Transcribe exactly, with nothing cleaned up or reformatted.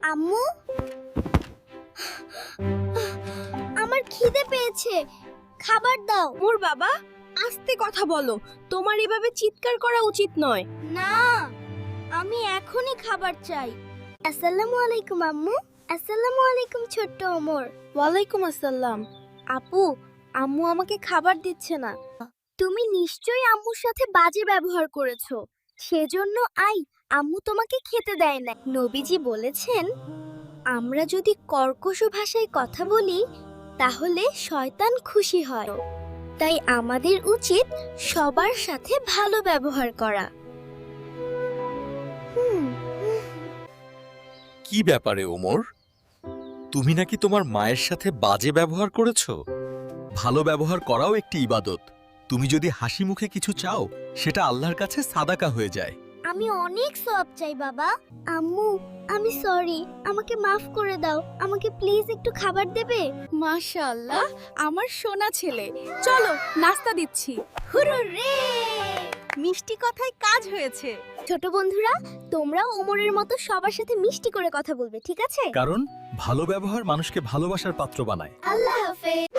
আম্মু, আমার খিদে পেয়েছে, খাবার দাও। ওর বাবা, আস্তে কথা বলো। তোমার এভাবে চিৎকার করা উচিত নয়। না, আমি এখনই খাবার চাই। আসসালামু আলাইকুম আম্মু। আসসালামু আলাইকুম ছোট্ট ওমর। ওয়ালাইকুম আসসালাম। আপু, আম্মু আমাকে খাবার দিচ্ছে না। তুমি নিশ্চয়ই আম্মুর সাথে বাজে ব্যবহার করেছো, সেজন্য আই আম্মু তোমাকে খেতে দেয় না। নবীজি বলেছেন, আমরা যদি কর্কশ ভাষায় কথা বলি তাহলে শয়তান খুশি হয়। তাই আমাদের উচিত সবার সাথে ভালো ব্যবহার করা। হুম, কি ব্যাপারে ওমর? তুমি নাকি তোমার মায়ের সাথে বাজে ব্যবহার করেছো? ভালো ব্যবহার করাও একটি ইবাদত। তুমি যদি হাসি মুখে কিছু চাও, সেটা আল্লাহর কাছে সাদাকা হয়ে যায়। আমি অনেক সওয়াব চাই বাবা। আম্মু, আমি সরি, আমাকে মাফ করে দাও। আমাকে প্লিজ একটু খাবার দেবে? মাশাআল্লাহ, আমার সোনা ছেলে। চলো, নাস্তা দিচ্ছি। হুররে! মিষ্টি কথায় কাজ হয়েছে। ছোট বন্ধুরা, তোমরাও ওমরের মতো সবার সাথে মিষ্টি করে কথা বলবে, ঠিক আছে? কারণ ভালো ব্যবহার মানুষকে ভালোবাসার পাত্র বানায়। আল্লাহ হাফেজ।